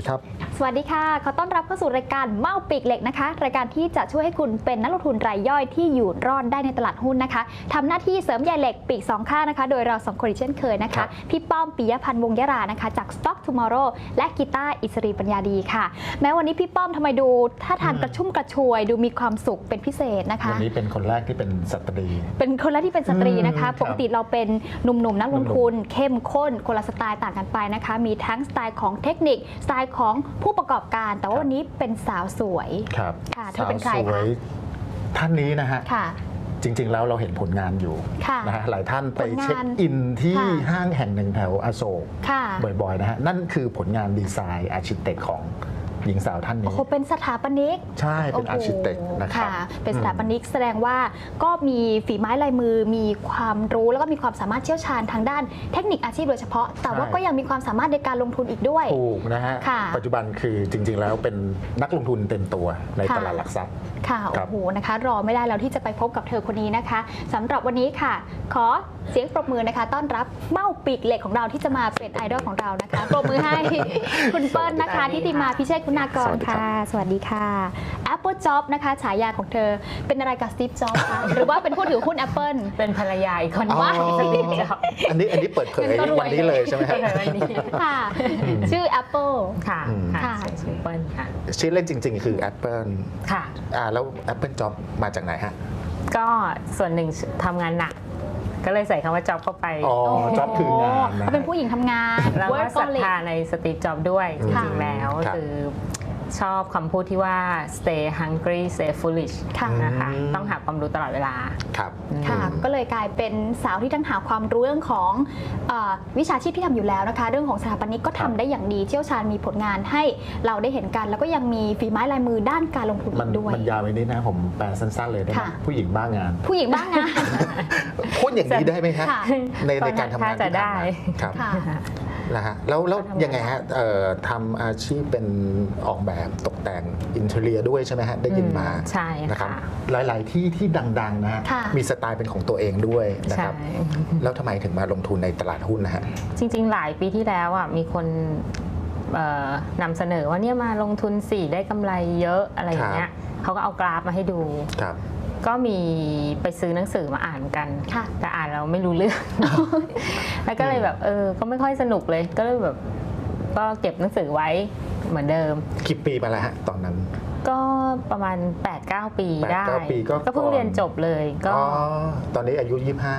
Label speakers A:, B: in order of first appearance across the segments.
A: ครับ
B: สวัสดีค่ะขอต้อนรับเข้าสู่รายการเมาปีกเหล็กนะคะรายการที่จะช่วยให้คุณเป็นนักลงทุนรายย่อยที่อยู่รอดได้ในตลาดหุ้นนะคะทำหน้าที่เสริมใยเหล็กปีกสองข้างนะคะโดยเราสองคนเช่นเคยนะคะพี่ป้อมปิยพันธ์วงศ์ยรานะคะจาก Stock Tomorrow และกีตาร์อิสรีปัญญาดีค่ะแม้วันนี้พี่ป้อมทำไมดูท่าทางกระชุ่มกระชวยดูมีความสุขเป็นพิเศษนะคะ
A: วันนี้เป็นคนแรกที่เป็นสตรี
B: เป็นคนแรกที่เป็นสตรีนะคะปกติเราเป็นหนุ่มๆนักลงทุนเข้มข้นคนละสไตล์ต่างกันไปนะคะมีทั้งสไตล์ของเทคนิคสไตล์ของผู้ประกอบการแต่ว่าวันนี้เป็นสาวสวย
A: ครับ
B: ค่ะเธอเป็นใครคะ
A: ท่านนี้นะฮะจริงๆแล้วเราเห็นผลงานอยู่นะฮะหลายท่านไปเช็คอินที่ห้างแห่งหนึ่งแถวอโศกบ่อยๆนะฮะนั่นคือผลงานดีไซน์อาร์คิเต็กของหญิงสาวท่านนี้
B: โอ้โหเป็นสถาปนิก
A: ใช่เป็นอาร์คิเต็กนะครับ
B: เป็นสถาปนิกแสดงว่าก็มีฝีไม้ลายมือมีความรู้แล้วก็มีความสามารถเชี่ยวชาญทางด้านเทคนิคอาชีพโดยเฉพาะแต่ว่าก็ยังมีความสามารถในการลงทุนอีกด้วย
A: ถูกนะฮะปัจจุบันคือจริงๆแล้วเป็นนักลงทุนเต็มตัวในตลาดหลักทรัพย์
B: ค่ะโอ้โหนะคะรอไม่ได้แล้วที่จะไปพบกับเธอคนนี้นะคะสำหรับวันนี้ค่ะขอเสียงปรบมือนะคะต้อนรับเมาปีกเหล็กของเราที่จะมาเป็นไอดอลของเรานะคะปรบมือให้คุณเปิ้ลนะคะทิติมาพิเชษคุณากรค่ะสวัสดีค่ะ Apple Job นะคะฉายาของเธอเป็นอะไรกับ Steve Jobs คะหรือว่าเป็นผู้ถือหุ้น Apple
C: เป็นภรรยาอีกคน
B: ว่า
A: อันนี้เปิดเผยวันนี้เลยใช่ไหมครับ
B: ค่ะชื่อ Apple
C: ค่ะชื่อเปิ้ลค่ะ
A: ชื่อเล่นจริงๆคือ Apple
C: ค่ะ
A: แล้ว Apple Job มาจากไหนฮะ
C: ก็ส่วนหนึ่งทำงานหนักก็เลยใส่คำว่าจ็อบเข้าไป
A: จ็อบคืองาน
B: นะเป็นผู้หญิงทำงาน
C: แล้วก็ศรัทธาในสตีฟจ็อบด้วยจริงๆแล้วคือชอบคำพูดที่ว่า stay hungry stay foolish นะคะต้องหาความรู้ตลอดเวลา
A: ครับ
B: ค่ะก็เลยกลายเป็นสาวที่ทั้งหาความรู้เรื่องของวิชาชีพที่ทำอยู่แล้วนะคะเรื่องของสถาปนิกก็ทำได้อย่างดีเชี่ยวชาญมีผลงานให้เราได้เห็นกันแล้วก็ยังมีฝีไม้ลายมือด้านการลงทุนด้วย
A: มันยาวไปนิดนะผมแปลสั้นๆเลยได้ไหมผู้หญิงบ้างาน
B: ผู้หญิงบ้างาน
A: พูดอย่างนี้ได้ไหมฮะในการทำงาน
C: จะได้
A: ครับนะฮะแล้วยังไงฮะทำอาชีพเป็นออกแบบตกแต่งอินเทอร์เนียด้วยใช่ไหมฮะได้ยินมา
C: ใช่
A: นะครับหลายๆที่ดังๆนะฮะมีสไตล์เป็นของตัวเองด้วยนะครับแล้วทำไมถึงมาลงทุนในตลาดหุ้นนะฮะ
C: จริงๆหลายปีที่แล้วอ่ะมีคนนำเสนอว่าเนี่ยมาลงทุน4ได้กำไรเยอะอะไรอย่างเงี้ยเขาก็เอากราฟมาให้ดูก็มีไปซื้อหนังสือมาอ่านกันแต่อ่านเราไม่รู้เรื่องแล้วก็เลยแบบก็ไม่ค่อยสนุกเลยก็เลยแบบก็เก็บหนังสือไว้เหมือนเดิม
A: กี่ปีมาแล้วฮะตอนนั้น
C: ก็ประมาณ 8-9 ปีได้ก็เพิ่งเรียนจบเลยก็
A: ตอนนี้อายุ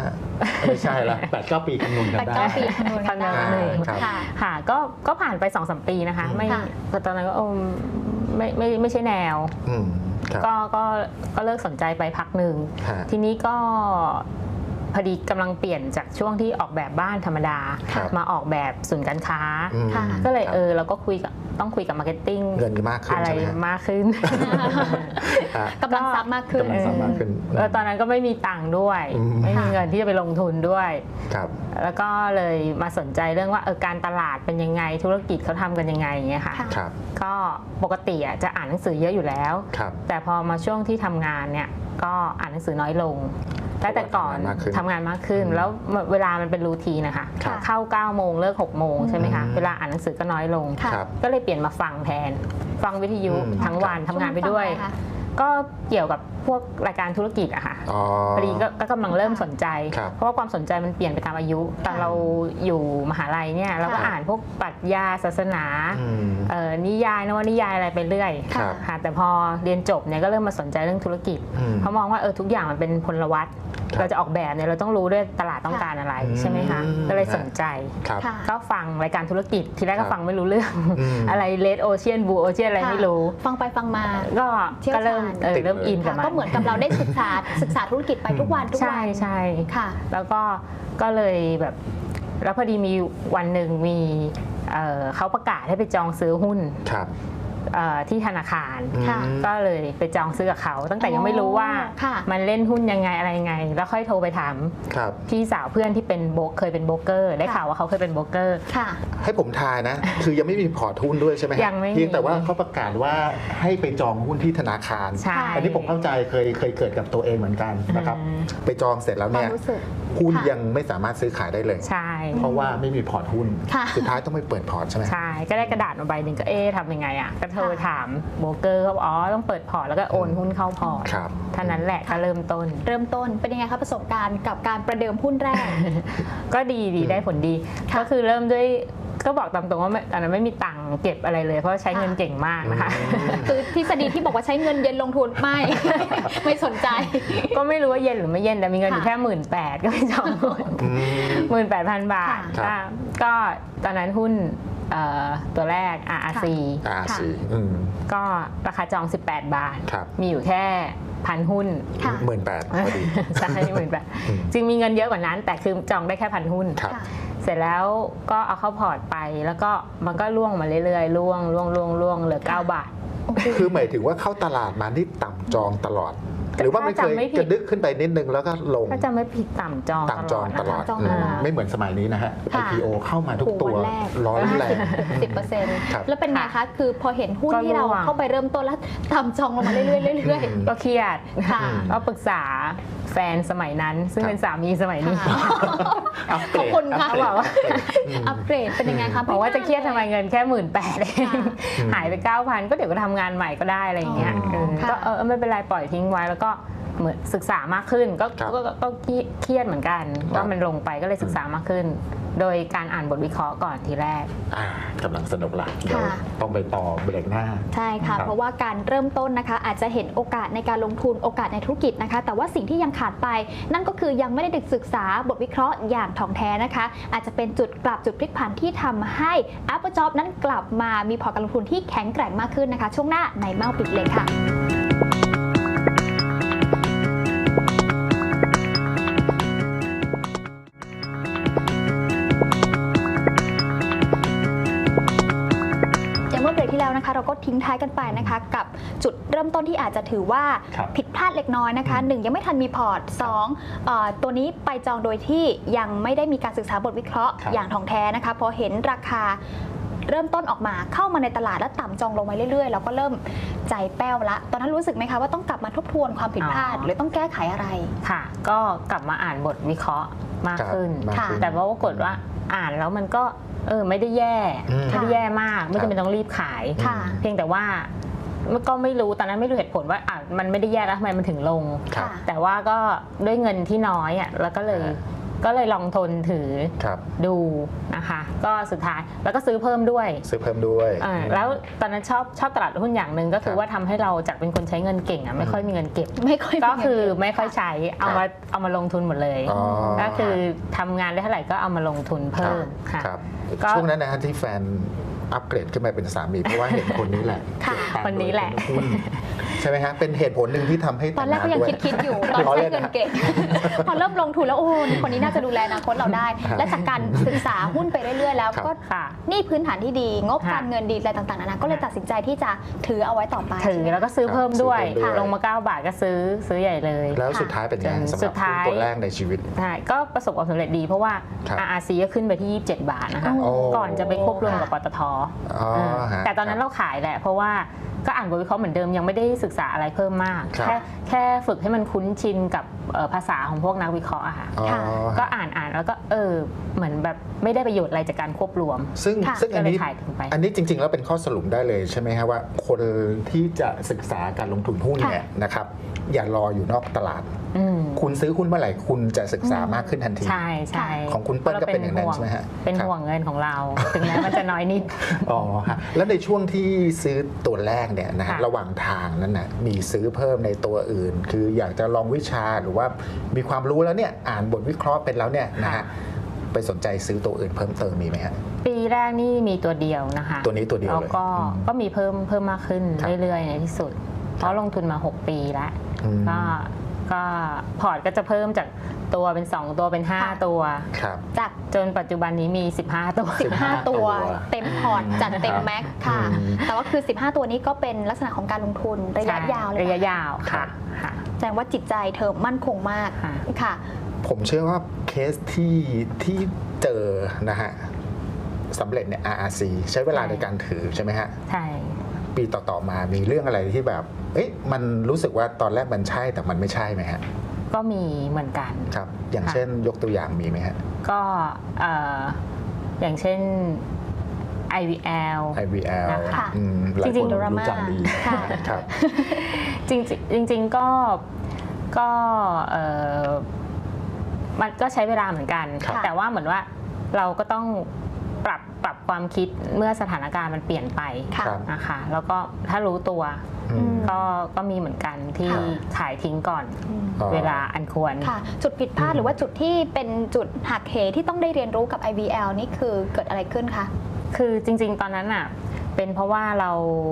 A: 25ไม่ใช่ละ8-9 ปีคำนวณกันได้
B: 8-9 ปีคำนวณกันได้
C: ค่ะก็ผ่านไป 2-3 ปีนะคะไม่ตอนนั้นก็ไม่ใช่แนวก็เลิกสนใจไปพักหนึ่งทีนี้ก็พอดีกำลังเปลี่ยนจากช่วงที่ออกแบบบ้านธรรมดามาออกแบบศูนย์การค้าก็เลยเราก็ต้องคุยกับมาร์เก็ตติ้ง
A: เงินมากขึ้น
C: อะไรมากขึ้น
B: กำลังทรัพย์มากขึ้น
C: ตอนนั้นก็ไม่มีตังค์ด้วยไม่มีเงินที่จะไปลงทุนด้วยแล้วก็เลยมาสนใจเรื่องว่าการตลาดเป็นยังไงธุรกิจเขาทำกันยังไงอย่างเงี้ยค่ะก็ปกติจะอ่านหนังสือเยอะอยู่แล้วแต่พอมาช่วงที่ทำงานเนี่ยก็อ่านหนังสือน้อยลงแต่ก่อนทำงานมากขึ้นแล้วเวลามันเป็นรูทีนนะคะเข้า9 โมงเลิก6 โมงใช่ไหมคะเวลาอ่านหนังสือก็น้อยลงก็เลยเปลี่ยนมาฟังแทนฟังวิทยุทั้งวันทำงานไปด้วยก็เกี่ยวกับพวกรายการธุรกิจอะค่ะพอดีก็กำลังเริ่มสนใจเพราะว่าความสนใจมันเปลี่ยนไปตามอายุตอนเราอยู่มหาลัยเนี่ยเราก็อ่านพวกปรัชญาศาสนานิยายนวนิยายอะไรไปเรื่อยค่ะแต่พอเรียนจบเนี่ยก็เริ่มมาสนใจเรื่องธุรกิจเพราะมองว่าทุกอย่างมันเป็นพลวัตเราจะออกแบบเนี่ยเราต้องรู้ด้วยตลาดต้องการอะไรใช่ไหมคะก็เลยสนใจก็ฟังรายการธุรกิจทีแรกก็ฟังไม่รู้เรื่องอะไรเลดโอเชียนบูโอเชียนอะไรไม่รู้
B: ฟังไปฟังมา
C: ก็เริ่มอินกับมัน
B: ก็เหมือนกับเราได้ศึกษาธุรกิจไปทุกวัน
C: ใช่ค่ะแล้วก็เลยแบบแล้วพอดีมีวันหนึ่งมีเขาประกาศให้ไปจองซื้อหุ้นที่ธนาคารก็เลยไปจองซื้อกับเขาตั้งแต่ยังไม่รู้ว่ามันเล่นหุ้นยังไงอะไรยังไงแล้วค่อยโทรไปถามพี่สาวเพื่อนที่เป็นเคยเป็นโบรกเกอร์ได้ข่าวว่าเขาเคยเป็นโบรกเกอร์
A: ให้ผมทายนะคือยังไม่มีพอร์ตหุ้นด้วยใช่ไหมเพียงแต่ว่าเขาประกาศว่าให้ไปจองหุ้นที่ธนาคารอันนี้ผมเข้าใจเคยเกิดกับตัวเองเหมือนกันนะครับไปจองเสร็จแล้วเนี่ยหุ้นยังไม่สามารถซื้อขายได้เลย
C: ใช่
A: เพราะว่าไม่มีพอร์ตหุ้นสุดท้ายต้องไปเปิดพอร์ตใช่ไหม
C: ใช่ก็ได้กระดาษมาใบหนึ่งก็ทำยังไงอ่ะก็โทรถามโบรกเกอร์เขาบอกต้องเปิดพอร์ตแล้วก็โอนหุ้นเข้าพอร์ตเท่านั้นแหละก็เริ่มต้น
B: เป็นยังไงคะประสบการณ์กับการประเดิมหุ้นแรก
C: ก็ดีได้ผลดีก็คือเริ่มด้วยก็บอกตามตรงว่าตอนนั้นไม่มีตังค์เก็บอะไรเลยเพราะใช้เงินเก่งมากนะคะ
B: คือทฤษฎีที่บอกว่าใช้เงินเย็นลงทุนไม่สนใจ
C: ก็ไม่รู้ว่าเย็นหรือไม่เย็นแต่มีเงินอยู่แค่18,000ก็ไปจองหุ้น18,000 บาทก็ตอนนั้นหุ้นตัวแรก RRC ก็ราคาจอง18 บาทมีอยู่แค่1,000 หุ้น
A: 18,000พอดี
C: ใช่18,000จริงมีเงินเยอะกว่านั้นแต่คือจองได้แค่1,000 หุ้นเสร็จแล้วก็เอาเข้าพอร์ตไปแล้วก็มันก็ล่วงมาเรื่อยๆล่วงเหลือ9 บาท
A: คือหมายถึงว่าเข้าตลาดมาที่ต่ำจองตลอดหรือว่าไม่เคยกระดึกขึ้นไปนิดนึงแล้วก็ลง
C: ถ้าจะไม่ผิดต่ำจอง
A: ตลอดไม่เหมือนสมัยนี้นะฮะ IPO เข้ามาทุกตัวร้อนแรง
B: 10% แล้วเป็นไงคะคือพอเห็นหุ้นที่เราเข้าไปเริ่มต้นแล้วต่ำจองลงมาเรื่อย
C: ๆก็เครียดก็ปรึกษาแฟนสมัยนั้นซึ่งเป็นสามีสมัยนี้
B: ขอบคุณค่ะบอกว่าอัปเกรดเป็นยังไงคะ
C: บอกว่าจะเครียดทำไมเงินแค่18,000เองหายไป 9,000 ก็เดี๋ยวก็ทำงานใหม่ก็ได้อะไรอย่างเงี้ยก็ไม่เป็นไรปล่อยทิ้งไว้แล้วก็เหมือนศึกษามากขึ้นก็เครียดเหมือนกันว่ามันลงไปก็เลยศึกษามากขึ้นโดยการอ่านบทวิเคราะห์ก่อนทีแรก
A: กำลังสนุกละเดี๋ยวต้องไปต่อเบรกหน้า
B: ใช่ค่ะเพราะว่าการเริ่มต้นนะคะอาจจะเห็นโอกาสในการลงทุนโอกาสในธุรกิจนะคะแต่ว่าสิ่งที่ยังขาดไปนั่นก็คือยังไม่ได้ศึกษาบทวิเคราะห์อย่างถ่องแท้นะคะอาจจะเป็นจุดพลิกผันที่ทำให้ Apple Job นั้นกลับมามีพอร์ตการลงทุนที่แข็งแกร่งมากขึ้นนะคะช่วงหน้าในเมาปิดเลยค่ะเราก็ทิ้งท้ายกันไปนะคะกับจุดเริ่มต้นที่อาจจะถือว่าผิดพลาดเล็กน้อยนะคะ1ยังไม่ทันมีพอร์ต2ตัวนี้ไปจองโดยที่ยังไม่ได้มีการศึกษาบทวิเคราะห์อย่างถ่องแท้นะคะพอเห็นราคาเริ่มต้นออกมาเข้ามาในตลาดแล้วต่ำจองลงมาเรื่อยๆเราก็เริ่มใจแป้วละตอนนั้นรู้สึกไหมคะว่าต้องกลับมาทบทวนความผิดพลาดหรือต้องแก้ไขอะไร
C: ค่ะก็กลับมาอ่านบทวิเคราะห์มากขึ้นแต่ว่าปรากฏว่าอ่านแล้วมันก็ไม่ได้แย่มากไม่จำเป็นต้องรีบขายเพียงแต่ว่าก็ไม่รู้ตอนนั้นไม่รู้เหตุผลว่ามันไม่ได้แย่แล้วทำไมมันถึงลงแต่ว่าก็ด้วยเงินที่น้อยแล้วก็เลยลองทนถือดูนะคะก็สุดท้ายแล้วก็ซื้อเพิ่มด้วยแล้วตอนนั้นชอบตลาดหุ้นอย่างหนึ่งก็คือว่าทำให้เราจากเป็นคนใช้เงินเก่งไม่ค่อยมีเงินเก็บก็คือไม่ค่อยใช้เอามาลงทุนหมดเลยก็คือทำงานได้เท่าไหร่ก็เอามาลงทุนเพิ่มค่ะ
A: ช่วงนั้นนะที่แฟนอัปเกรดขึ้นมาเป็นสามีเพราะว่าเห็นคนนี้แหละ
C: คนนี้แหละ
A: ใช่ไหมฮะเป็นเหตุผลหนึ่งที่ทำให้
B: ตอนแรกก็ยังคิดอยู่ตอนใช้เงินเก็บพอเริ่มลงทุนแล้วโอ้คนนี้น่าจะดูแลอนาคตเราได้และจากการศึกษาหุ้นไปเรื่อยๆแล้วก็นี่พื้นฐานที่ดีงบการเงินดีอะไรต่างๆนานาก็เลยตัดสินใจที่จะถือเอาไว้ต่อไป
C: ถือแล้วก็ซื้อเพิ่มด้วยลงมา9 บาทก็ซื้อใหญ่เลย
A: แล้วสุดท้ายเป็นยังไงสำหรับตัวแรกในชีวิต
C: ใช่ก็ประสบความสำเร็จดีเพราะว่า RRC ก็ขึ้นไปที่27 บาทนะคะก่อนจะไปควบรวมกับปตท.แต่ตอนนั้นเราขายแหละเพราะว่าก็อ่านบทวิเคราะห์เหมือนเดิมยังไม่ได้ศึกษาอะไรเพิ่มมากแค่ฝึกให้มันคุ้นชินกับภาษาของพวกนักวิเคราะห์อะค่ะก็อ่านแล้วก็เหมือนแบบไม่ได้ประโยชน์อะไรจากการควบรวม
A: ซึ่งอันนี้จริงๆแล้วเป็นข้อสรุปได้เลยใช่ไหมครับว่าคนที่จะศึกษาการลงทุนหุ้นเนี่ยนะครับอย่ารออยู่นอกตลาดคุณซื้อหุ้นเมื่อไหร่คุณจะศึกษามากขึ้นทันที
C: ใช่
A: ของคุณเปิ้ลก็เป็นอย่างนั้นใช่ไหมฮะ
C: เป็นห่วงเงินของเราถึงแม้มันจะน้อยนิด
A: อ๋อฮะแล้วในช่วงที่ซื้อตัวแรกเนี่ยนะฮะระหว่างทางนั้นนะมีซื้อเพิ่มในตัวอื่นคืออยากจะลองวิชาหรือว่ามีความรู้แล้วเนี่ยอ่านบทวิเคราะห์เป็นแล้วเนี่ยนะฮะไปสนใจซื้อตัวอื่นเพิ่มเติมมีไหมฮะ
C: ปีแรกนี่มีตัวเดียวนะคะ
A: ตัวนี้ตัวเดียวเลย
C: ก็มีเพิ่มมากขึ้นเรื่อยๆในที่สุดเพราะลงทุนมา6 ปีแล้วก็พอร์ตก็จะเพิ่มจากตัวเป็น2 ตัวเป็น5 ตัวจากจนปัจจุบันนี้มี15
B: ตัวเต็มพอร์ตจัดเต็มแม็กค่ะแต่ว่าคือ15 ตัวนี้ก็เป็นลักษณะของการลงทุนระยะยาวเลย
C: ระยะยาวค่ะ
B: แสดงว่าจิตใจเธอมั่นคงมากค่ะ
A: ผมเชื่อว่าเคสที่เจอนะฮะสำเร็จเนี่ย RRC ใช้เวลาในการถือใช่ไหมฮะ
C: ใช่
A: ปีต่อมามีเรื่องอะไรที่แบบมันรู้สึกว่าตอนแรกมันใช่แต่มันไม่ใช่ไหมฮะ
C: ก็มีเหมือนกัน
A: ครับอย่างเช่นยกตัวอย่างมีไหมฮะ
C: ก็อย่างเช่น IVL
A: นะคะจริงๆรู้จักดีครับ
C: จริงก็มันก็ใช้เวลาเหมือนกันแต่ว่าเหมือนว่าเราก็ต้องปรับความคิดเมื่อสถานการณ์มันเปลี่ยนไปนะคะแล้วก็ถ้ารู้ตัวก็มีเหมือนกันที่ขายทิ้งก่อนเวลาอันควร
B: จุดผิดพลาดหรือว่าจุดที่เป็นจุดหักเหที่ต้องได้เรียนรู้กับ IVL นี่คือเกิดอะไรขึ้นคะ
C: คือจริงๆตอนนั้นอ่ะเป็นเพราะว่าเรา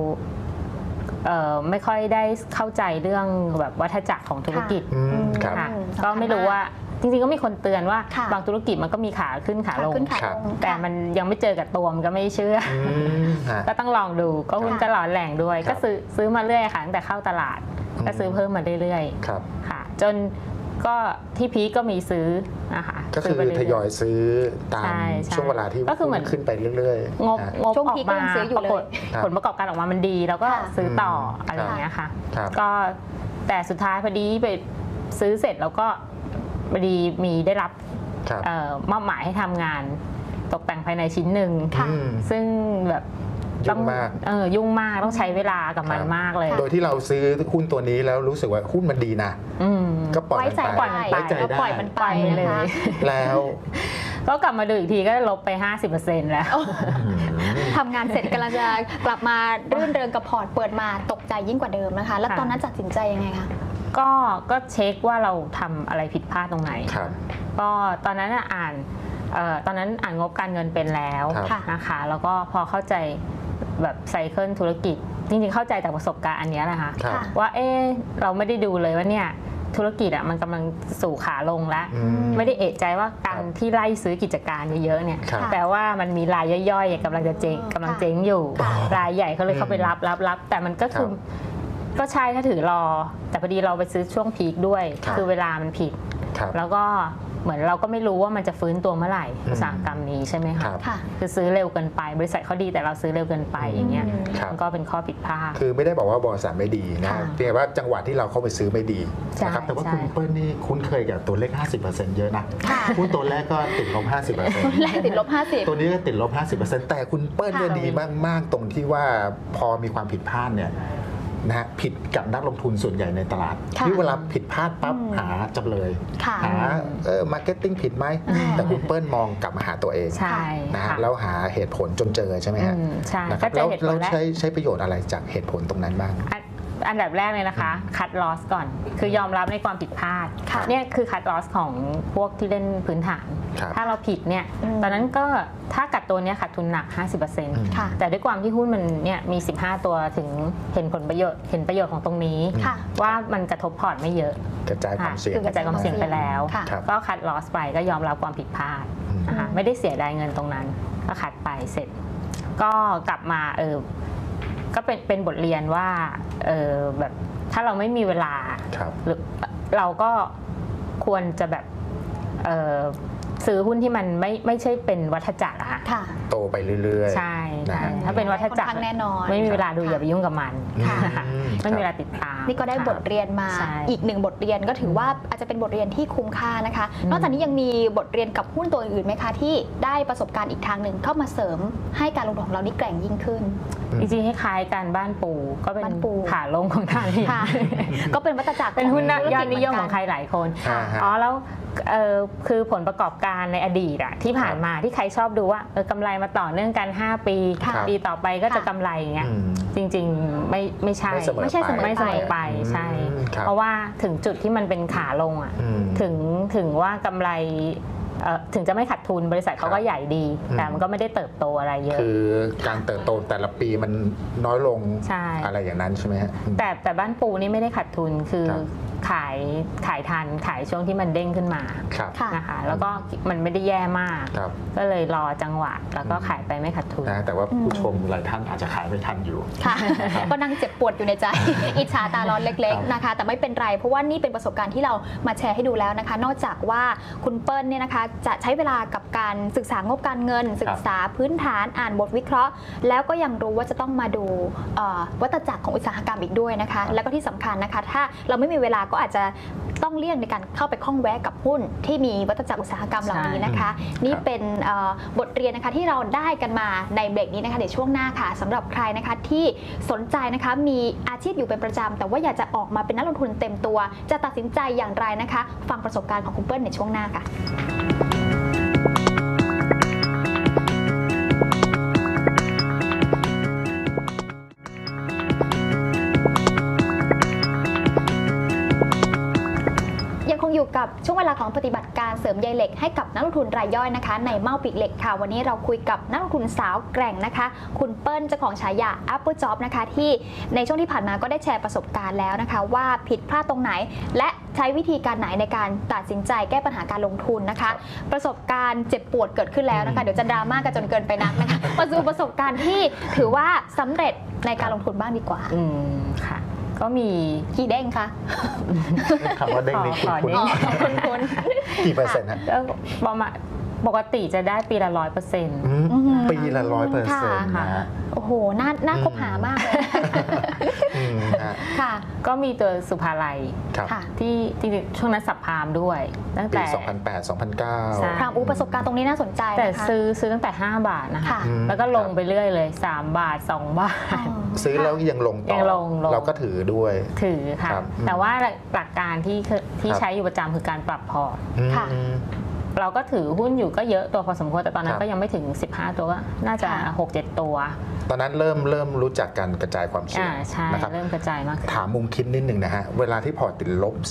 C: ไม่ค่อยได้เข้าใจเรื่องแบบวัฏจักรของธุรกิจก็ไม่รู้ว่าจริงๆก็มีคนเตือนว่าบางธุรกิจมันก็มีขาขึ้นขาลงแต่มันยังไม่เจอกับตัวมันก็ไม่เชื่อก็ต้องลองดูก็หุ้นก็หลอนแหล่งด้วยก็ซื้อมาเรื่อยค่ะตั้งแต่เข้าตลาดก็ซื้อเพิ่มมาเรื่อยๆค่ะจนก็ที่พีก็มีซื้อนะคะ
A: ก็คือทยอยซื้อตามช่วงเวลาที่
C: ก็คือเหมือน
A: ขึ้นไปเรื่อย
C: ๆงบออกมาผลประกอบการออกมามันดีแล้วก็ซื้อต่ออะไรอย่างเงี้ยค่ะก็แต่สุดท้ายพอดีไปซื้อเสร็จแล้วก็พอดีมีได้รับมอบหมายให้ทำงานตกแต่งภายในชิ้นหนึ่งซึ่งแบบ
A: ยุ่งมาก
C: ยุ่งมากต้องใช้เวลากับมันมากเลย
A: โดยที่เราซื้อหุ้นตัวนี้แล้วรู้สึกว่าหุ้นมันดีนะก็ปล่อยมันไป
B: ไว้ใจได้ปล่อยมันไป
A: เลยแล้ว
C: ก็กลับมาดูอีกทีก็ลบไป 50% แล้ว
B: ทำงานเสร็จกำลังจะกลับมารื่นเริงกับพอร์ตเปิดมาตกใจยิ่งกว่าเดิมนะคะแล้วตอนนั้นตัดสินใจยังไงคะ
C: ก็เช็คว่าเราทำอะไรผิดพลาดตรงไหนก็ตอนนั้นตอนนั้นอ่านงบการเงินเป็นแล้วนะคะแล้วก็พอเข้าใจแบบไซเคิลธุรกิจจริงๆเข้าใจจากประสบการณ์อันนี้แหละค่ะว่าเราไม่ได้ดูเลยว่าเนี่ยธุรกิจมันกำลังสู่ขาลงแล้วไม่ได้เอะใจว่าการที่ไล่ซื้อกิจการเยอะๆเนี่ยแปลว่ามันมีรายย่อยๆกำลังจะเจ๊งอยู่รายใหญ่เขาเลยเข้าไปรับแต่มันก็คือก็ใช่ถ้าถือรอแต่พอดีเราไปซื้อช่วงพีคด้วยคือเวลามันผิดแล้วก็เหมือนเราก็ไม่รู้ว่ามันจะฟื้นตัวเมื่อไหร่อุตสาหกรรมนี้ใช่ไหมคะคือซื้อเร็วเกินไปบริษัทเขาดีแต่เราซื้อเร็วเกินไปอย่างเงี้ยมันก็เป็นข้อผิดพลาด
A: คือไม่ได้บอกว่าบริษัทไม่ดีนะเพียงว่าจังหวะที่เราเข้าไปซื้อไม่ดีนะครับแต่ว่าคุณเปิ้ลนี่คุ้นเคยกับตัวเลข 50% เยอะนะหุ้นตัวแรกก็ติดลบ 50%
B: แรกติดลบ 50
A: ตัวนี้ก็ติดลบ 50% แต่คุณเปิ้ลเนี่ยดีมากๆตรงที่ว่าพอมีความผิดพลาดเนี่ยนะผิดกับนักลงทุนส่วนใหญ่ในตลาดที่เวลาผิดพลาดปั๊บหาจำเลยหามาร์เก็ตติ้งผิดไหมแต่คุณเปิ้ลมองกลับมาหาตัวเองนะฮะแล้วหาเหตุผลจนเจอใช่ไหมฮะนะครับแล้วเราใช้ประโยชน์อะไรจากเหตุผลตรงนั้นบ้าง
C: อันดับแรกเลยนะคะคัดลอสก่อนคือยอมรับในความผิดพลาดเนี่ยคือคัดลอสของพวกที่เล่นพื้นฐานถ้าเราผิดเนี่ยตอนนั้นก็ถ้ากัดตัวนี้ขาดทุนหนัก 50% แต่ด้วยความที่หุ้นมันเนี่ยมี15ตัวถึงเห็นประโยชน์ของตรงนี้ว่ามันกระทบพอร์ตไม่เยอะ
A: กระจายความเสี่
C: ยงไปแล้วก็คัดลอสไปก็ยอมรับความผิดพลาดนะคะไม่ได้เสียดายเงินตรงนั้นก็คัดไปเสร็จก็กลับมาก็เป็นบทเรียนว่าแบบถ้าเราไม่มีเวลาเราก็ควรจะแบบซื้อหุ้นที่มันไม่ใช่เป็นวัฏจักรอะค่ะ
A: โตไปเรื่อย
C: ๆใช่ถ้าเป็นวัฏจักร
B: แน่นอน
C: ไม่มีเวลาดูอย่าไปยุ่งกับมันไม่มีเวลาติดตาม
B: นี่ก็ได้บทเรียนมาอีกหนึ่งบทเรียนก็ถือว่าอาจจะเป็นบทเรียนที่คุ้มค่านะคะนอกจากนี้ยังมีบทเรียนกับหุ้นตัวอื่นไหมคะที่ได้ประสบการณ์อีกทางหนึ่งเข้ามาเสริมให้การลงทุนของเรานี่แกร่งยิ่งขึ้น
C: จริงๆคล้ายๆกันบ้านปูก็เป็นขาลงของทางนี้
B: ก็เป็นวัฏจักร
C: เป็นหุ้นยอดนิยมของใครหลายคนแล้วคือผลประกอบการในอดีตที่ผ่านมาที่ใครชอบดูว่ากำไรมาต่อเนื่องกัน5ปีปีต่อไปก็จะกำไรอย่างเงี้ยจริงๆไม่ใช่เสมอไปใช่เพราะว่าถึงจุดที่มันเป็นขาลงถึงว่ากำไรถึงจะไม่ขาดทุนบริษัทเขาก็ใหญ่ดีแต่มันก็ไม่ได้เติบโตอะไรเยอะ
A: คือการเติบโตแต่ละปีมันน้อยลงอะไรอย่างนั้นใช่ไหมฮะ
C: แต่บ้านปูนี่ไม่ได้ขาดทุนคือขายทันขายช่วงที่มันเด้งขึ้นมานะคะแล้วก็มันไม่ได้แย่มากก็เลยรอจังหวะแล้วก็ขายไปไม่ขาดทุน
A: แต่ว่าผู้ชมหลายท่านอาจจะขายไม่ทันอยู่
B: ก็นั่งเจ็บปวดอยู่ในใจอิจฉาตาร้อนเล็กๆนะคะแต่ไม่เป็นไรเพราะว่านี่เป็นประสบการณ์ที่เรามาแชร์ให้ดูแล้วนะคะนอกจากว่าคุณเปิ้ลเนี่ยนะคะจะใช้เวลากับการศึกษางบการเงินศึกษาพื้นฐานอ่านบทวิเคราะห์แล้วก็ยังรู้ว่าจะต้องมาดูวัฏจักรของอุตสาหกรรมอีกด้วยนะคะแล้วก็ที่สำคัญนะคะถ้าเราไม่มีเวลาก็อาจจะต้องเลี่ยงในการเข้าไปคล้องแวะกับหุ้นที่มีวัฏจักรอุตสาหกรรมเหล่านี้นะคะนี่เป็นบทเรียนนะคะที่เราได้กันมาในเบรกนี้นะคะเดี๋ยวช่วงหน้าค่ะสำหรับใครนะคะที่สนใจนะคะมีอาชีพอยู่เป็นประจำแต่ว่าอยากจะออกมาเป็นนักลงทุนเต็มตัวจะตัดสินใจอย่างไรนะคะฟังประสบการณ์ของคุณเปิ้ลในช่วงหน้าค่ะอยู่กับช่วงเวลาของปฏิบัติการเสริมใยเหล็กให้กับนักลงทุนรายย่อยนะคะในเมาปีกเหล็กค่ะวันนี้เราคุยกับนักลงทุนสาวแกร่งนะคะคุณเปิ้ลเจ้าของฉายา Apple Job นะคะที่ในช่วงที่ผ่านมาก็ได้แชร์ประสบการณ์แล้วนะคะว่าผิดพลาดตรงไหนและใช้วิธีการไหนในการตัดสินใจแก้ปัญหาการลงทุนนะคะประสบการณ์เจ็บปวดเกิดขึ้นแล้วนะคะเดี๋ยวจะดราม่ากันจนเกินไปนักนะคะมาสู่ประสบการณ์ที่ถือว่าสำเร็จในการลงทุนบ้างดีกว่า
C: ค่ะก็มี
B: กี่เด้งคะ
A: คำว่าเด้งนี่
B: คุณ
A: กี่เปอร์เซ็นต์ฮะ
C: ประมาณปกติจะได้ปีละ 100%
A: ปีละ 100%นะ
B: โอ้โหน่าคบหามากเลย
C: ค่ะก็มีตัวสุภาลัยที่ช่วงนั้นสับพามด้วยตั้งแต่
A: ปี2008 2009
B: พรามประสบการณ์ตรงนี้น่าสนใจ
C: แต่ซื้อตั้งแต่5 บาทนะคะแล้วก็ลงไปเรื่อยเลย3 บาท 2 บาท
A: ซื้อแล้วยังลงต่อเราก็ถือด้วย
C: ถือค่ะแต่ว่าหลักการที่ใช้อยู่ประจำคือการปรับพอร์ตเราก็ถือหุ้นอยู่ก็เยอะตัวพอสมควรแต่ตอนนั้นก็ยังไม่ถึง15ตัวก็น่าจะ 6-7 ตัว
A: ตอนนั้นเริ่มรู้จักการกระจายความเสี่ยง
C: นะครับเริ่มกระจายมาก
A: ถามมุมคิดนิดนึงนะฮะเวลาที่พอร์ตติดลบ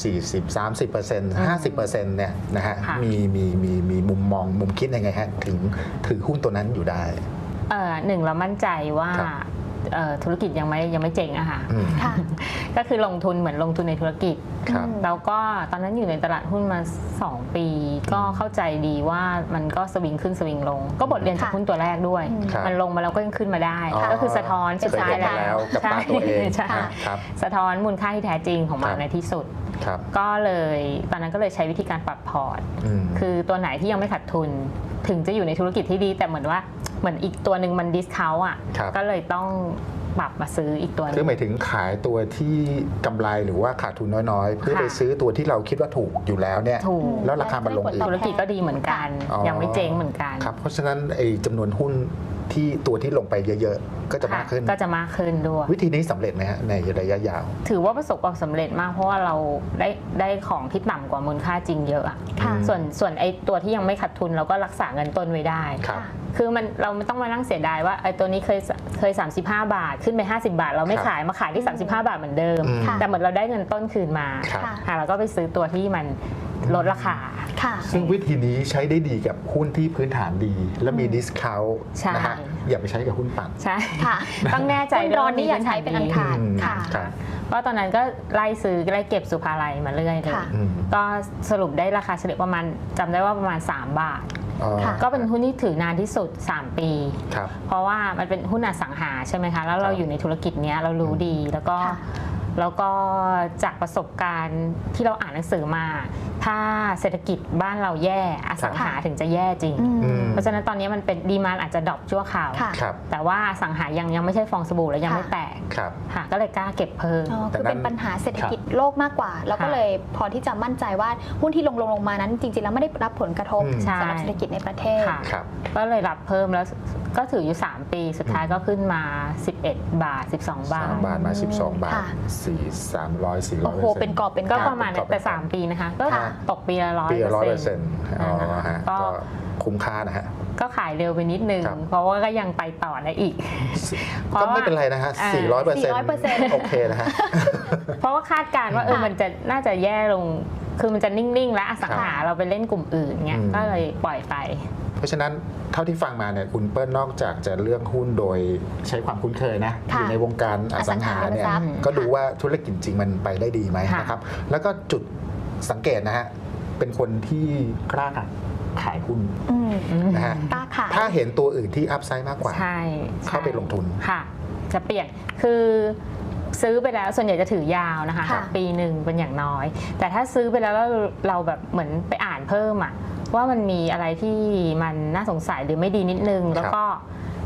A: 40-30% 50% เนี่ยนะฮะมีมุมมองมุมคิดยังไงฮะถึงถือหุ้นตัวนั้นอยู่ได้
C: หนึ่งเรามั่นใจว่าธุรกิจยังไม่เจ๋งอะค่ะก็คือลงทุนเหมือนลงทุนในธุรกิจแล้วก็ตอนนั้นอยู่ในตลาดหุ้นมา2 ปีก็เข้าใจดีว่ามันก็สวิงขึ้นสวิงลงก็บทเรียนจากหุ้นตัวแรกด้วยมันลงมาแล้วก็ยังขึ้นมาได้ก็คือสะท้อน
A: สุดท้ายแล้วกับตาตัวเอง
C: สะท้อนมูลค่าที่แท้จริงของมันในที่สุดก็เลยตอนนั้นก็เลยใช้วิธีการปรับพอร์ตคือตัวไหนที่ยังไม่ขาดทุนถึงจะอยู่ในธุรกิจที่ดีแต่เหมือนอีกตัวหนึ่งมันดิสเคาท์อ่ะก็เลยต้องปรับมาซื้ออีกตัวนึง
A: คือหมายถึงขายตัวที่กำไรหรือว่าขาดทุนน้อยๆเพื่อไปซื้อตัวที่เราคิดว่าถูกอยู่แล้วเนี่ยแล้วราคามันลงอีก
C: ธุรกิจก็ดีเหมือนกันยังไม่เจ๊งเหมือนกัน
A: ครับเพราะฉะนั้นไอ้จำนวนหุ้นที่ตัวที่ลงไปเยอะๆก็จะมากขึ้น
C: ด้วย
A: วิธีนี้สำเร็จไหมฮะในระยะยาว
C: ถือว่าประสบความสำเร็จมากเพราะว่าเราได้ของที่ต่ำกว่ามูลค่าจริงเยอะส่วนไอ้ตัวที่ยังไม่ขาดทุนเราก็รักษาเงินต้นไว้ได้คือเราไม่ต้องมานั่งเสียดายว่าไอ้ตัวนี้เคย35 บาทขึ้นไป50 บาทเราไม่ขายมาขายที่35 บาทเหมือนเดิมแต่เหมือนเราได้เงินต้นคืนมาเราก็ไปซื้อตัวที่มันลดราคา
A: ซึ่งวิธีนี้ใช้ได้ดีกับหุ้นที่พื้นฐานดีและมีดิสเคาท์นะฮะอย่าไปใช้กับหุ้นปั่น
C: ใช่ค่ะต้องแน่ใจ
B: ร้อนนี่อย่าใช้เป็นอันขาดค่ะ
C: เพราะตอนนั้นก็ไล่ซื้อไล่เก็บสุภาลัยมาเรื่อยเลยก็สรุปได้ราคาเฉลี่ยประมาณจำได้ว่าประมาณ3 บาทก็เป็นหุ้นที่ถือนานที่สุด3 ปีเพราะว่ามันเป็นหุ้นอสังหาใช่ไหมคะแล้วเราอยู่ในธุรกิจนี้เรารู้ดีแล้วก็จากประสบการณ์ที่เราอ่านหนังสือมาถ้าเศรษฐกิจบ้านเราแย่อสังหาถึงจะแย่จริงเพราะฉะนั้นตอนนี้มันเป็นดีมานด์อาจจะดรอปชั่วคราวแต่ว่าอสังหายังไม่ใช่ฟองสบู่และยังไม่แตกก็เลยกล้าเก็บเพิ่ม
B: คือเป็นปัญหาเศรษฐกิจโลกมากกว่าแล้วก็เลยพอที่จะมั่นใจว่าหุ้นที่ลงมานั้นจริงๆแล้วไม่ได้รับผลกระทบสำหรับเศรษฐกิจในประเทศ
C: ก็เลยรับเพิ่มแล้วก็ถืออยู่3 ปีสุดท้ายก็ขึ้นมา11 บาท12 บาท
A: 3 บาทมา12 บาท300 400%
B: โอ้โหเป็นกอบเป็น
C: ก็ประมาณแต่3 ปีนะคะก็ตกปีละ
A: 100%ก็คุ้มค่านะฮะ
C: ก็ขายเร็วไปนิดนึงเพราะว่าก็ยังไปต่อได้อีก
A: ก็ไม่เป็นไรนะฮะ 400% โอเคนะฮะ
C: เพราะว่าคาดการณ์ว่ามันจะน่าจะแย่ลงคือมันจะนิ่งๆและอสังหาเราไปเล่นกลุ่มอื่นเงี้ยก็เลยปล่อยไป
A: เพราะฉะนั้นเท่าที่ฟังมาเนี่ยคุณเปิ้ลนอกจากจะเลือกหุ้นโดยใช้ความคุ้นเคยนะอยู่ในวงการอสังหาเนี่ยก็ดูว่าธุรกิจจริงมันไปได้ดีไหมนะครับแล้วก็จุดสังเกตนะฮะเป็นคนที่กล้าขายหุ้นนะฮะถ้าเห็นตัวอื่นที่อัพไซด์มากกว่าเข้าไปลงทุน
C: ค่ะจะเปลี่ยนคือซื้อไปแล้วส่วนใหญ่จะถือยาวนะคะปีหนึ่งเป็นอย่างน้อยแต่ถ้าซื้อไปแล้วเราแบบเหมือนไปอ่านเพิ่มว่ามันมีอะไรที่มันน่าสงสัยหรือไม่ดีนิดนึงแล้วก็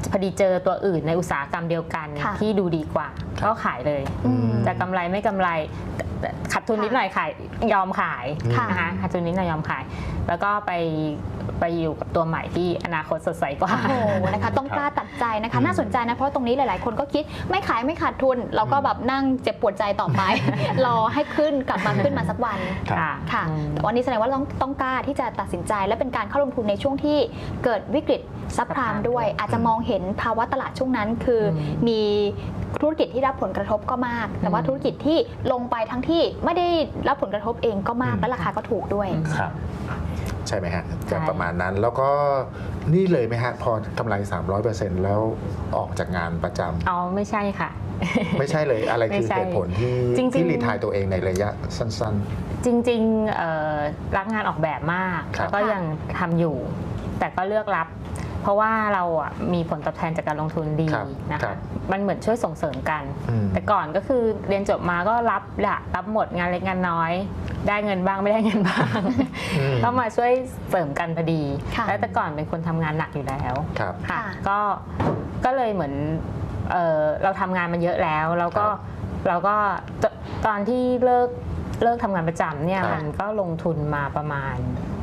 C: พอดีเจอตัวอื่นในอุตสาหกรรมเดียวกันที่ดูดีกว่าก็ขายเลยจะกำไรไม่กำไรขาดทุนนิดหน่อยขายยอมขายนะคะขาดทุนนิดหน่อยยอมขายแล้วก็ไปอยู่กับตัวใหม่ที่อนาคตสดใสกว่า
B: โอ้โหนะคะต้องกล้าตัดใจนะคะน่าสนใจนะเพราะตรงนี้หลายๆคนก็คิดไม่ขายไม่ขาดทุนเราก็แบบนั่งเจ็บปวดใจต่อไป รอให้กลับมาขึ้นมาสักวันค่ะแต่วันนี้แสดงว่าต้องกล้าที่จะตัดสินใจและเป็นการเข้าลงทุนในช่วงที่เกิดวิกฤตซับพรามด้วยอาจจะมองเห็นภาวะตลาดช่วงนั้นคือมีธุรกิจที่รับผลกระทบก็มากแต่ว่าธุรกิจที่ลงไปทั้งที่ไม่ได้รับผลกระทบเองก็มากและราคาก็ถูกด้วย
A: ครับใช่ไหมฮะจะประมาณนั้นแล้วก็นี่เลยไหมฮะพอกำไร 300% แล้วออกจากงานประจำ
C: อ๋อไม่ใช่ค่ะ
A: ไม่ใช่เลยอะไรคือเหตุผลที่รีไทร์ตัวเองในระยะสั้น
C: ๆจริงๆรักงานออกแบบมากแล้วก็ยังทำอยู่แต่ก็เลือกรับเพราะว่าเราอ่ะมีผลตอบแทนจากการลงทุนดีนะคะมันเหมือนช่วยส่งเสริมกันแต่ก่อนก็คือเรียนจบมาก็รับหมดงานเล็กงานน้อยได้เงินบ้างไม่ได้เงินบ้างก็มาช่วยเสริมกันพอดีแล้วแต่ก่อนเป็นคนทำงานหนักอยู่แล้วค่ะก็เลยเหมือนเราทำงานมาเยอะแล้วเราก็ตอนที่เลิกทำงานประจำเนี่ยมันก็ลงทุนมาประมาณ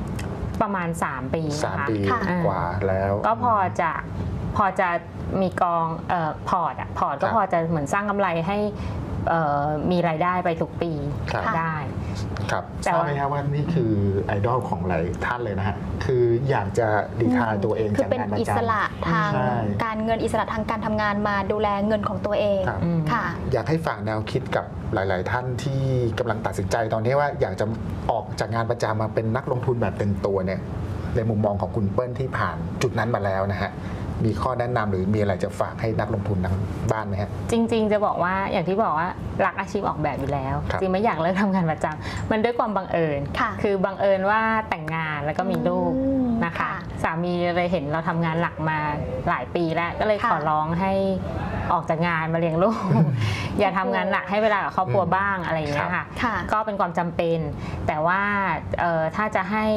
C: 3 ปี
A: 3 ปีกว่าแล้ว
C: ก็พอจะมีกองพอร์ตก็พอจะเหมือนสร้างกำไรให้มีรายได้ไปทุกปีได้
A: ครับทราบไหมครับว่านี่คือไอดอลของหลายท่านเลยนะฮะคืออยากจะดีทายตัวเอง
B: คือเป็นอิสระทางการเงินอิสระทางการทำงานมาดูแลเงินของตัวเองค่ะ
A: อยากให้ฝากแนวคิดกับหลายๆท่านที่กำลังตัดสินใจตอนนี้ว่าอยากจะออกจากงานประจำมาเป็นนักลงทุนแบบเต็มตัวเนี่ยในมุมมองของคุณเปิ้ลที่ผ่านจุดนั้นมาแล้วนะฮะมีข้อแนะนำหรือมีอะไรจะฝากให้นักลงทุนทางบ้านไหมครับ
C: จริงๆจะบอกว่าอย่างที่บอกว่ารักอาชีพออกแบบอยู่แล้วจริงไม่อยากเลิกทำงานประจำมันด้วยความบังเอิญคือบังเอิญว่าแต่งงานแล้วก็มีลูกนะคะสามีเลยเห็นเราทำงานหลักมาหลายปีแล้วก็เลยขอร้องให้ออกจากงานมาเลี้ยงลูกอย่าทำงานหนักให้เวลากับครอบครัวบ้างอะไรอย่างเงี้ยค่ะก็เป็นความจำเป็นแต่ว่าถ้าจะให้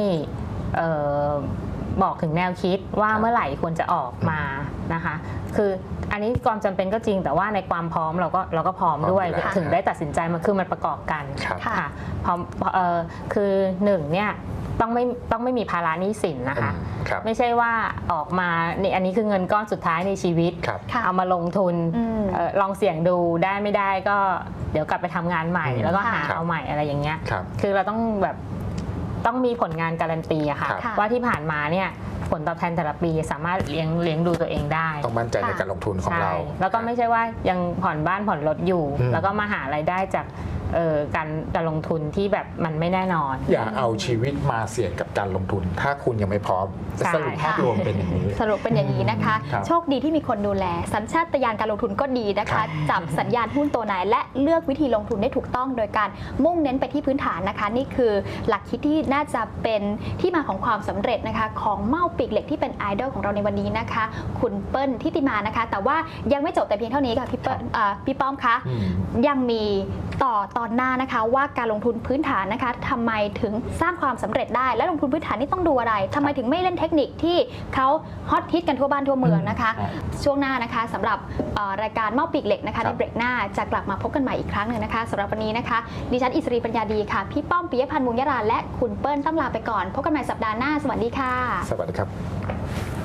C: บอกถึงแนวคิดว่าเมื่อไหร่ควรจะออกมานะคะคืออันนี้ความจำเป็นก็จริงแต่ว่าในความพร้อมเราก็พร้อมด้วยถึงได้ตัดสินใจมาคือมันประกอบกันค่ะพร้อมคือ1เนี่ยต้องไม่มีภาระหนี้สินนะคะไม่ใช่ว่าออกมาอันนี้คือเงินก้อนสุดท้ายในชีวิตเอามาลงทุนลองเสี่ยงดูได้ไม่ได้ก็เดี๋ยวกลับไปทำงานใหม่แล้วก็หาเอาใหม่อะไรอย่างเงี้ยคือเราต้องมีผลงานการันตีอะค่ะว่าที่ผ่านมาเนี่ยผลตอบแทนแต่ละปีสามารถเลี้ยงดูตัวเองได้
A: ต้องมั่นใจในการลงทุนของเรา
C: แล้วก็ไม่ใช่ว่ายังผ่อนบ้านผ่อนรถอยู่แล้วก็มาหารายได้จากการลงทุนที่แบบมันไม่แน่นอน
A: อย่าเอาชีวิตมาเสี่ยงกับการลงทุนถ้าคุณยังไม่พร้อมสรุปภาพรวมเป็นอย่างนี้
B: สรุปเป็นอย่างนี้นะคะโชคดีที่มีคนดูแลสัญชาตญาณการลงทุนก็ดีนะคะจับสัญญาณหุ้นตัวไหนและเลือกวิธีลงทุนได้ถูกต้องโดยการมุ่งเน้นไปที่พื้นฐานนะคะนี่คือหลักคิดที่น่าจะเป็นที่มาของความสำเร็จนะคะของเม่าปีกเหล็กที่เป็นไอดอลของเราในวันนี้นะคะคุณเปิ้ลทิติมานะคะแต่ว่ายังไม่จบแต่เพียงเท่านี้ค่ะพี่ป้อมคะยังมีตอนหน้านะคะว่าการลงทุนพื้นฐานนะคะทำไมถึงสร้างความสำเร็จได้และลงทุนพื้นฐานนี่ต้องดูอะไรทำไมถึงไม่เล่นเทคนิคที่เขาฮอตฮิตกันทั่วบ้านทั่วเมืองนะคะช่วงหน้านะคะสำหรับรายการเม่าปีกเหล็กนะคะในเบรกหน้าจะกลับมาพบกันใหม่อีกครั้งหนึ่งนะคะสำหรับวันนี้นะคะดิฉันอิสรีปัญญาดีค่ะพี่ป้อมปิยพันธ์ มุงยราและคุณเปิ้ลต้องลาไปก่อนพบกันใหม่สัปดาห์หน้าสวัสดีค่ะ
A: สวัสดีครับ